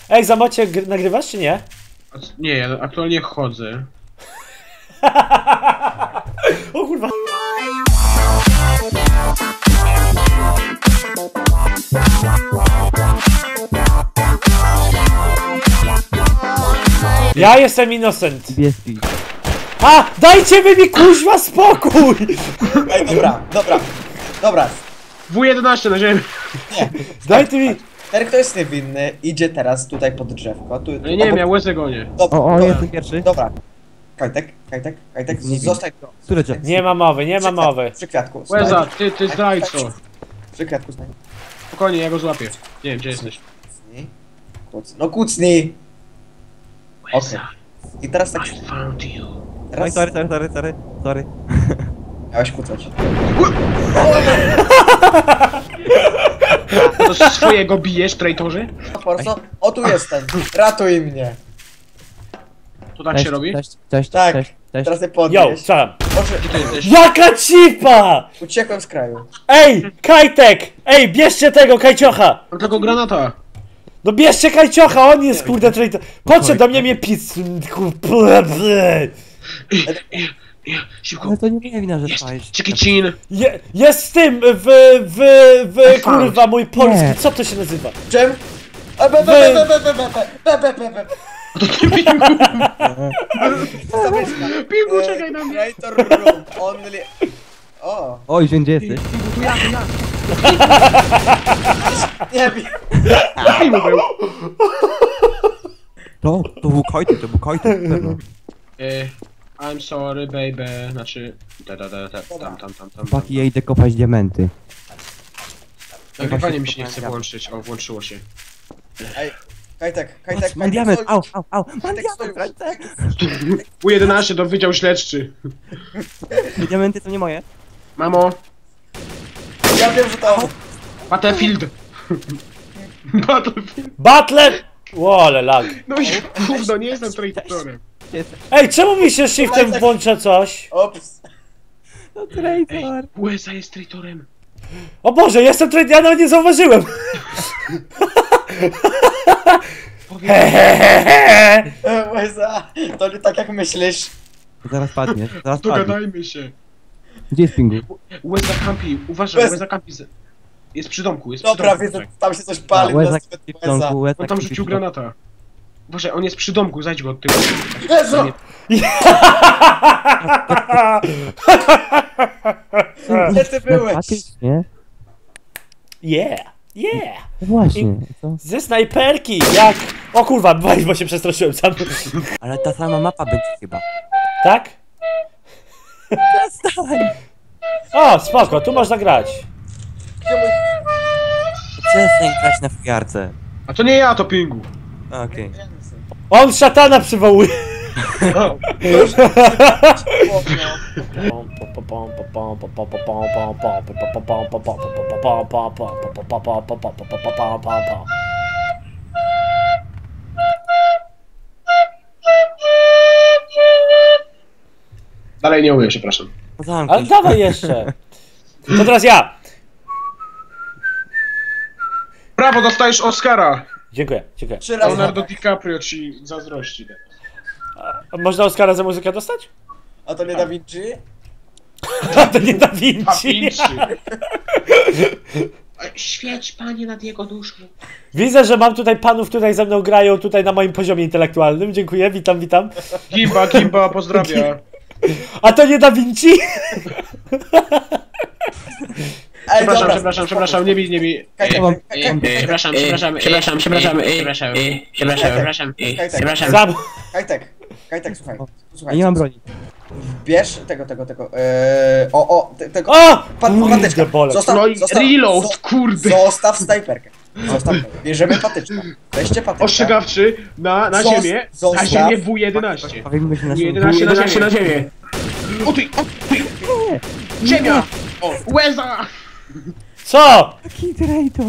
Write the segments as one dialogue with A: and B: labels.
A: Ej, Zamocie, nagrywasz czy nie?
B: Nie, ja aktualnie chodzę.
A: O kurwa. Ja jestem innocent. A! Dajcie mi kuźwa spokój!
C: Ej, dobra.
B: W11 na ziemi.
C: Nie.
A: Dajcie mi...
C: Ten, kto jest niewinny, idzie teraz tutaj pod drzewko.
B: Nie wiem, ja łezę gonię.
D: Jestem pierwszy.
C: Dobra. Kajtek, zostań.
D: Które drzewo?
A: Nie ma mowy, nie ma mowy.
C: Przy kwiatku.
B: Łeza, ty zdrajco.
C: Przy kwiatku stań.
B: Spokojnie, ja go złapię. Nie wiem, gdzie jesteś.
C: Kucnij. No kucnij! Okej. I teraz tak...
B: I found you.
D: Oj,
C: Teraz
D: sorry.
C: miałeś kucać.
B: To swojego bijesz, traitorze?
C: Forso, o tu jestem. Ratuj mnie.
B: To tak się robi?
D: Cześć.
C: Tak. Teraz nie
A: Yo,
C: podnieś.
A: co?
C: Proszę,
B: Gdzie ty jesteś?
A: Jaka cipa!
C: uciekłem z kraju.
A: Ej, Kajtek! Ej, bierzcie tego Kajciocha!
B: Mam tylko granata.
A: No bierzcie Kajciocha, on jest kurde traitor. Podszedł do mnie pizz.
B: Szybko.
D: Ale to nie moja wina, że spałeś.
B: Czekicin.
A: Jest z tym, kurwa, mój polski,
D: Nie.
A: co to się nazywa?
C: Czym?
B: Pingu, czekaj na mnie.
C: Traitor room only... O,
D: Oj, gdzie jesteś?
B: Tu ja.
C: nie wiem.
B: Pingu był.
D: To był Kajtek, pewno.
B: I'm sorry, baby. Znaczy... Tam.
D: Chłopaki, ja idę kopać diamenty.
B: Nagrywanie mi się nie chce włączyć. O, włączyło się.
C: Ej, Kajtek,
D: Mam diament,
C: stoi.
D: au. Mam
C: Kajtek,
D: diament
C: stoi.
D: w ręce.
B: U11 to Wydział Śledczy.
D: Diamenty to nie moje.
B: Mamo,
C: Ja wiem, że to...
B: Battlefield. Battlefield.
A: Butler! Łole, lag.
B: No i gówno, nie jestem traitorem.
D: Gdzie jesteś?
A: Ej, czemu mi się shiftem włącza coś?
C: Ops.
D: No traitor.
B: USA jest traitorem.
A: O Boże, jestem traitor, ja nawet nie zauważyłem. Hehehehe.
C: Łeza, to nie tak jak myślisz.
D: Zaraz padniesz.
B: Dogadajmy się.
D: Gdzie jest pingu?
B: USA campi, uważaj,
C: Bez-
B: USA campi. Jest przy domku, jest
C: Dobra,
B: przy domku.
C: widzę, tam się coś pali.
D: Łezak
C: nas
D: w
C: Łeza.
D: domku, Łezak
B: On tam
D: śpi
B: rzucił
D: w domku.
B: granata. Uważaj, on jest przy domku, zajdź go od tyłu.
C: Jezu! Gdzie ty byłeś?
D: Faktycznie?
A: Yeah.
D: No właśnie, co?
A: Ze snajperki, jak... O kurwa, bo się przestraszyłem sam.
D: Ale ta sama mapa będzie chyba.
A: Tak?
D: Przestań!
A: O, spoko, tu można grać.
D: Przestań grać na fujarce.
B: A to nie ja, to Pingu.
D: Okej.
A: On szatana przywołuje.
B: Dalej nie umiem, przepraszam.
A: Ale
D: Zamknij się.
A: dawaj jeszcze. To teraz ja.
B: Brawo, dostajesz Oscara!
A: Dziękuję.
C: 3 razy.
B: Leonardo DiCaprio ci zazdrości.
A: A można Oscara za muzykę dostać?
C: A to nie Da Vinci?
A: A to nie Da
B: A
A: Vinci.
B: Świeć, panie, nad jego duszą.
A: Widzę, że mam tutaj panów, tutaj ze mną grają tutaj na moim poziomie intelektualnym. Dziękuję, witam.
B: Gimba, pozdrawia.
A: A to nie Da Vinci?
C: Ej, dobra,
B: Przepraszam, nie bij.
C: Kajtek,
B: Przepraszam.
C: Kajtek, słuchaj.
D: Ja nie mam broni.
C: Bierz tego. Tego.
A: O!
C: Patyczka.
A: Bole.
B: No i reload, kurde.
C: Zostaw snajperkę. Bierzemy patyczka. Weźcie patyczka.
B: Ostrzegawczy na ziemię. Na ziemię W11.
D: Bawimy się na
B: W11 na ziemię. O ty! Ziemia! O, łeza!
A: Co?
D: Taki traitor.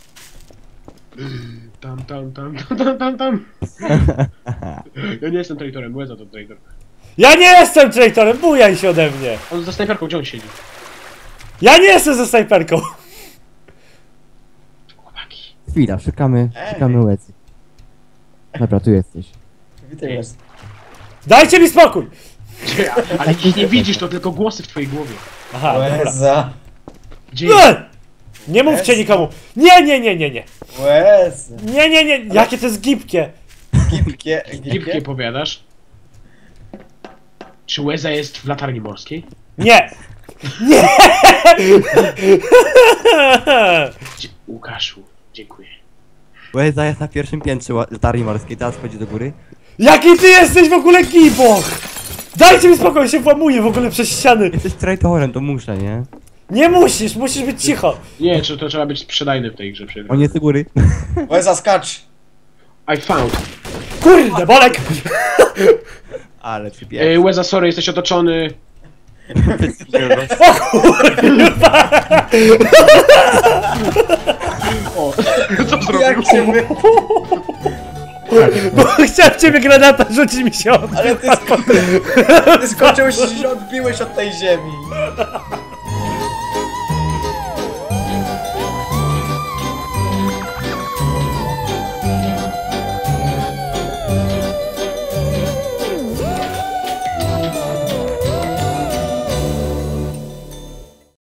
B: Tam. Ja nie jestem traitorem, łeza to traitor.
A: Ja nie jestem traitorem, bujaj się ode mnie.
B: On za snajperką, gdzie on siedzi?
A: Ja nie jestem ze snajperką.
D: Chwila, szukamy łezy. Dobra, tu jesteś.
C: Witaj was.
A: Dajcie mi spokój!
B: Ale ich nie widzisz, to tylko głosy w twojej głowie.
A: Aha, dobra.
C: Łeza.
B: Gdzie
A: Nie mówcie nikomu! Nie!
C: Łeza.
A: Nie! Jakie to jest gibkie!
C: Gipkie.
B: Gipkie powiadasz? Czy Łeza jest w latarni morskiej?
A: Nie!
B: Łukaszu, dziękuję.
D: Łeza jest na pierwszym piętrze latarni morskiej, teraz wchodzi do góry.
A: Jaki ty jesteś w ogóle giboch! Dajcie mi spokój, się włamuję w ogóle przez ściany!
D: Jesteś traitorem, to muszę, nie?
A: Nie musisz być cicho!
B: Nie, czy to trzeba być sprzedajny w tej grze.
D: On jest do góry.
C: Łeza, skacz.
B: I found.
A: Kurde, Bolek!
D: Ale przypierdol.
B: Łeza, sorry, jesteś otoczony. O, co zrobił?
C: Jak cię wy...
A: Bo chciałem w ciebie granata rzucić mi się od...
C: Ale ty skoczyłeś i się odbiłeś od tej ziemi.